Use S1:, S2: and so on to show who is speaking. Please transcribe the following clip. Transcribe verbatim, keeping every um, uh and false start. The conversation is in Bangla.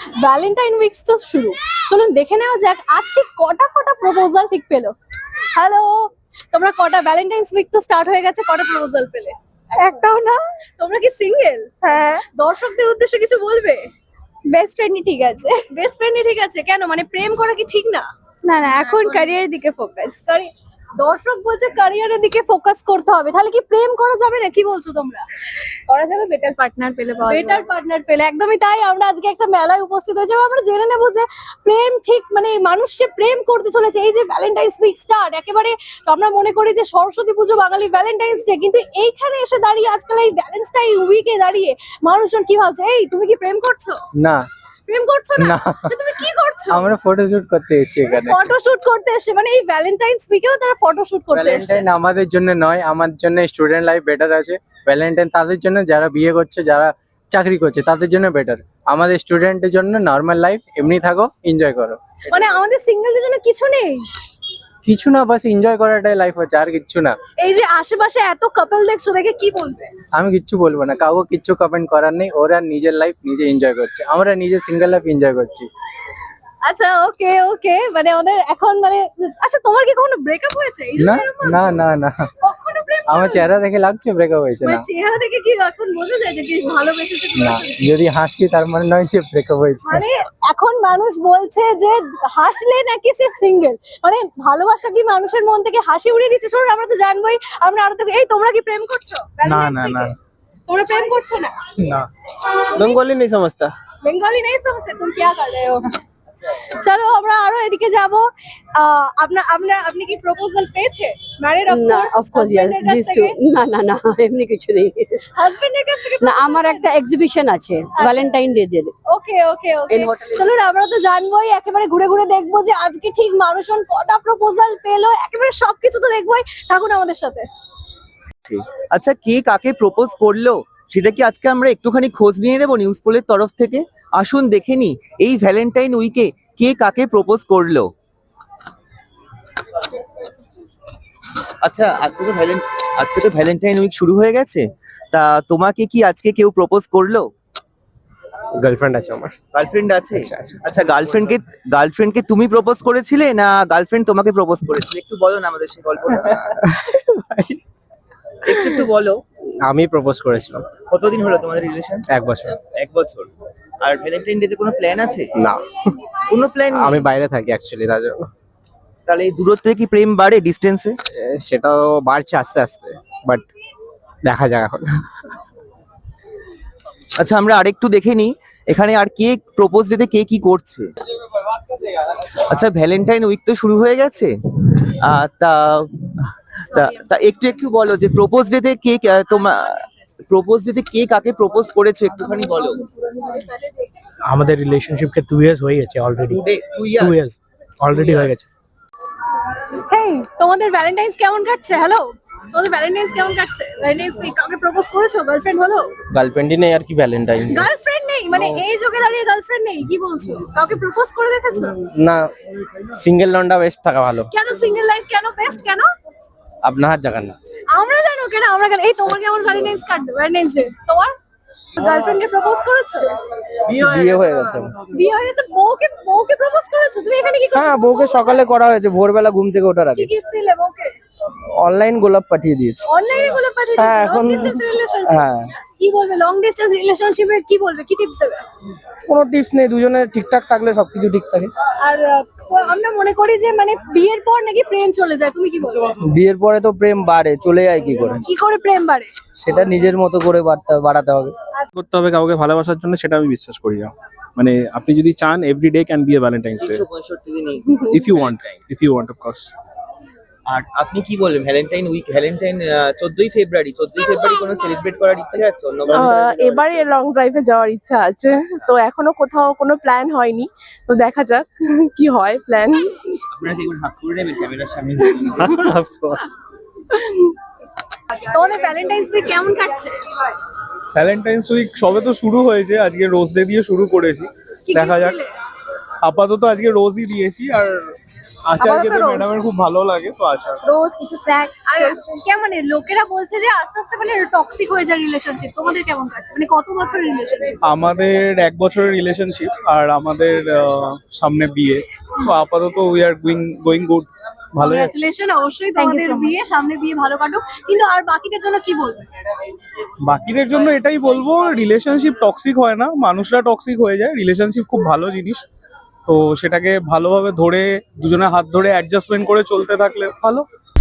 S1: ভ্যালেন্টাইন উইকস তো শুরু, চলুন দেখে নেওয়া যাক আজ ঠিক কটা কটা প্রপোজাল ঠিক পেলো। হ্যালো, তোমরা কটা ভ্যালেন্টাইন্স উইক তো স্টার্ট হয়ে গেছে, কটা প্রপোজাল পেলে?
S2: একটাও না।
S1: তোমরা কি সিঙ্গেল?
S2: হ্যাঁ,
S1: দর্শকদের উদ্দেশ্যে কিছু বলবে?
S2: বেস্ট ফ্রেন্ডই ঠিক আছে।
S1: বেস্ট ফ্রেন্ডই ঠিক আছে কেন, মানে প্রেম করা কি ঠিক না?
S2: না না, এখন ক্যারিয়ারের দিকে ফোকাস।
S1: Sorry, দর্শক বলছে ক্যারিয়ারের দিকে ফোকাস করতে হবে, তাহলে কি প্রেম করা যাবে না? কি বলছো তোমরা?
S2: করা যাবে, বেটার পার্টনার পেলে পাওয়া যাবে।
S1: বেটার পার্টনার পেলে, একদমই তাই। আমরা আজকে একটা মেলায় উপস্থিত হয়েছি এবং আমরা জেনে নেবো যে প্রেম ঠিক মানে মানুষ যে প্রেম করতে চলেছে। এই যে ভ্যালেন্টাইন্স উইক স্টার্ট, একেবারে আমরা মনে করি যে সরস্বতী পুজো বাঙালি ভ্যালেন্টাইন্স ডে, কিন্তু এইখানে এসে দাঁড়িয়ে আজকাল এই ভ্যালেন্টাইন উইকে দাঁড়িয়ে মানুষজন কি ভাবছে? এই তুমি কি প্রেম করছো?
S3: না
S1: প্রেম করছো না?
S3: না।
S1: তো তুমি কি করছো?
S3: আমরা ফটোশুট করতে এসেছি এখানে।
S1: ফটোশুট করতে এসে, মানে এই ভ্যালেন্টাইন্স উইকেও তারা ফটোশুট করতে এসেছে।
S3: ভ্যালেন্টাইন আমাদের জন্য নয়, আমার জন্য স্টুডেন্ট লাইফ বেটার আছে। ভ্যালেন্টাইন তাদের জন্য যারা বিয়ে করছে, যারা চাকরি করছে তাদের জন্য বেটার। আমাদের স্টুডেন্টের জন্য নর্মাল লাইফ, এমনি থাকো, এনজয় করো।
S1: মানে আমাদের সিঙ্গেলদের জন্য কিছু নেই?
S3: কিছু না, বাস এনজয় করাটাই লাইফ হচ্ছে, আর কিচ্ছু না।
S1: এই যে আশেপাশে এত কাপল দেখছো, দেখে কি বলবে?
S3: আমি কিচ্ছু বলবো না, কাউকে কিচ্ছু কমেন্ট করার নেই। ওরা নিজের লাইফ নিজে এনজয় করছে, আমরা নিজের সিঙ্গেল লাইফ এনজয় করছি।
S1: আচ্ছা, ওকে ওকে, মানে ওদের এখন মানে আচ্ছা, তোমার কি কখনো ব্রেকআপ হয়েছে? এই জন্য
S3: না
S1: এরকম
S3: না
S1: বলছো?
S3: না না,
S1: কখনো প্রেম
S3: আমার
S1: করোনি?
S3: চেহারা দেখে লাগছে ব্রেকআপ হয়েছে
S1: মানে
S3: না।
S1: চেহারা দেখে কি এখন বোঝা যায় যে কি ভালোবেসেছে কি
S3: না,
S1: ভালোবেসেছে?
S3: যদি হাসি তার মানে নয় যে ব্রেকআপ হয়েছে।
S1: মানে এখন মানুষ বলছে যে হাসলে নাকি সে সিঙ্গেল, মানে ভালোবাসা কি মানুষের মন থেকে হাসি উড়িয়ে দিচ্ছে? শোনো, আমরা তো জানবোই, আমরা আরো তো। এই তোমরা কি প্রেম করছো?
S3: না না না
S1: তোমরা প্রেম করছো না?
S3: না।
S4: बंगाली नहीं समझता।
S1: বেঙ্গলি নেই সমঝতে, তুম क्या कर रहे हो? চলো আমরা আরো এদিকে যাব। আপনার আপনার আপনি কি প্রপোজাল পেয়েছে? ম্যারিড অফ
S5: না,
S1: course?
S5: Of course yes this too. না না না, এমনি কিছু নেই।
S1: হাজবেন্ডের কাছ থেকে?
S5: না, আমার একটা এক্সিবিশন আছে ভ্যালেন্টাইন ডে এর।
S1: ওকে ওকে ওকে,
S5: In hotel.
S1: চলুন আমরা তো জানবোই, একেবারে ঘুরে ঘুরে দেখবো যে আজকে ঠিক মানুষজন কটা প্রপোজাল পেলো, একেবারে সবকিছু তো দেখবোই। থাকুন আমাদের সাথে।
S4: আচ্ছা, কে কাকে প্রপোজ করলো সেটা কি আজকে আমরা একটুখানি খোঁজ নিয়ে নেব নিউজ পোলের তরফ থেকে? আসুন দেখে নি এই ভ্যালেন্টাইন উইকে কে কাকে প্রপোজ করলো। আচ্ছা, আজকে তো ভ্যালেন্ট আজকে তো ভ্যালেন্টাইন উইক শুরু হয়ে গেছে, তা তোমাকে কি আজকে কেউ প্রপোজ করলো?
S3: গার্লফ্রেন্ড আছে আমার।
S4: গার্লফ্রেন্ড আছে?
S3: আচ্ছা, আচ্ছা।
S4: আচ্ছা, গার্লফ্রেন্ডকে গার্লফ্রেন্ডকে তুমি প্রপোজ করেছিলে না গার্লফ্রেন্ড তোমাকে প্রপোজ করেছিল? একটু বলো না আমাদের সেই গল্পটা। একটু একটু বলো।
S3: আমি প্রপোজ করেছিলাম।
S4: কতদিন হলো তোমাদের রিলেশন?
S3: এক বছর।
S4: এক বছর। আর ভ্যালেন্টাইন ডে তে কোনো প্ল্যান আছে?
S3: না,
S4: কোনো প্ল্যান নেই?
S3: আমি বাইরে থাকি অ্যাকচুয়ালি, তার জন্য।
S4: তাহলে এই দূরত্বে কি প্রেম বাড়ে ডিস্টেন্সে?
S3: এ, সেটাও বাড়ছে আস্তে আস্তে, বাট দেখা যাক এখন।
S4: আচ্ছা, আমরা আরেকটু দেখে নিই এখানে আর কে প্রপোজ ডেতে কে কি করছে। আচ্ছা, ভ্যালেন্টাইন উইক তো শুরু হয়ে গেছে, আহ, তা তা তা একটু একটু বলো যে প্রপোজ ডেতে কে কে- তোমার প্রপোজ ডেতে কে কাকে প্রপোজ করেছে একটুখানি বলো।
S6: আমাদের রিলেশনশিপকে টু ইয়ার্স হয়ে গেছে already.
S4: Today two
S6: two
S4: year
S6: years already হয়ে গেছে।
S1: হেই, তোমাদের ভ্যালেন্টাইন্স কেমন কাটছে? হ্যালো, তোমাদের ভ্যালেন্টাইন্স কেমন কাটছে? ভ্যালেন্টাইন্স উইক কাউকে প্রপোজ করেছো? গার্লফ্রেন্ড হলো?
S3: গার্লফ্রেন্ডই নেই আর কি ভ্যালেন্টাইন।
S1: গার্লফ্রেন্ড নেই? মানে এই যুগে দাঁড়িয়ে গার্লফ্রেন্ড নেই? কি বলছো? কাউকে প্রপোজ করে দেখেছো?
S3: না, সিঙ্গেল লন্ডা বেস্ট থাকা ভালো।
S1: কেন সিঙ্গেল লাইফ কেন বেস্ট কেন?
S3: আপনার হাত জায়গা না।
S1: আমরা জানো কেন, আমরা কেন? এই তোমার কেমন ভ্যালেন্টাইন্স কাটবে? ভ্যালেন্টাইন্স ডে তোমার গার্লফ্রেন্ডকে প্রপোজ করেছো?
S3: বিয়ে হয়ে গেছে।
S1: বিয়ে হয়ে তো বউকে বউকে প্রপোজ করেছো? তুমি এখানে কি করছো?
S3: হ্যাঁ, বউকে সকালে করা হয়েছে, ভোরবেলা ঘুম থেকে ওঠার
S1: কি
S3: আগে।
S1: গিফট দিলে বউকে?
S3: অনলাইন গোলাপ পাঠিয়ে দিয়েছে।
S1: অনলাইনে গুলো পাঠিয়ে
S3: হ্যাঁ,
S1: দিয়েছো? লং
S3: এখন-
S1: ডিসটেন্স রিলেশনশিপ?
S3: হ্যাঁ।
S1: কি বলবে লং ডিসটেন্স রিলেশনশিপে? কি বলবে, কি টিপস দেবে?
S3: কোনো টিপস নেই, দুজনে ঠিকঠাক থাকলে সবকিছু ঠিক থাকে।
S1: আর আহ, আমরা মনে করি যে মানে বিয়ের পর নাকি প্রেম চলে যায়, তুমি কি বলবে?
S3: বিয়ের পরে তো প্রেম বাড়ে, চলে যায় কি করে?
S1: কি করে প্রেম বাড়ে?
S3: সেটা নিজের মতো করে বাড়তে বাড়াতে হবে।
S7: করতে হবে কাউকে ভালোবাসার জন্য, সেটা আমি বিশ্বাস করি না। মানে আপনি যদি চান, every day can be a valentine's day
S4: তিনশো পঁয়ষট্টি দিনই।
S7: If you want, if you want of course.
S4: আর আপনি কি বলবেন ভ্যালেন্টাইন উইক ভ্যালেন্টাইন চোদ্দই ফেব্রুয়ারি চোদ্দই ফেব্রুয়ারি কোনো সেলিব্রেট করার ইচ্ছে আছে? অন্য কোনো
S2: আহ, এবারে লং ড্রাইভে যাওয়ার ইচ্ছা আছে, তো এখনো কোথাও কোনো প্ল্যান হয়নি, তো দেখা যাক কি হয় প্ল্যান।
S4: আপনারা কি একবার হাত করে নেবেন ক্যামেরার সামনে?
S7: Of course.
S1: তোমাদের ভ্যালেন্টাইন্স উইক কেমন কাটছে?
S7: ভ্যালেন্টাইন্স উইক সবে তো শুরু হয়েছে, আজকে রোজ ডে দিয়ে শুরু করেছি,
S1: কি
S7: দেখা
S1: gift
S7: যাক।
S1: দিলে?
S7: আপাতত আজকে রোজই দিয়েছি, আর
S8: আচার
S2: আপাতত
S8: খেতে
S2: রোজ।
S8: ম্যাডামের খুব ভালো লাগে তো আচার।
S2: রোজ কিছু স্ন্যাক্স
S1: আর কেমন এ লোকেরা বলছে যে আস্তে আস্তে মানে টক্সিক হয়ে যায় রিলেশনশিপ, তোমাদের কেমন কাটছে, মানে কত বছরের রিলেশনশিপ?
S8: আমাদের এক বছরের রিলেশনশিপ আর আমাদের আহ, সামনে বিয়ে, তো আপাতত we are going going good, ভালোই আছে।
S1: কংগ্রাচুলেশন, অবশ্যই
S2: Thank you
S1: তোমাদের
S2: so much.
S1: বিয়ে, সামনে বিয়ে ভালো কাটুক। কিন্তু আর বাকিদের জন্য কি বলবে?
S8: বাকিদের জন্য এটাই বলবো, রিলেশনশিপ টক্সিক হয় না, মানুষরা টক্সিক হয়ে যায়। রিলেশনশিপ খুব ভালো জিনিস, তো সেটাকে ভালোভাবে ধরে দুজনে হাত ধরে অ্যাডজাস্টমেন্ট করে চলতে থাকলে ভালো।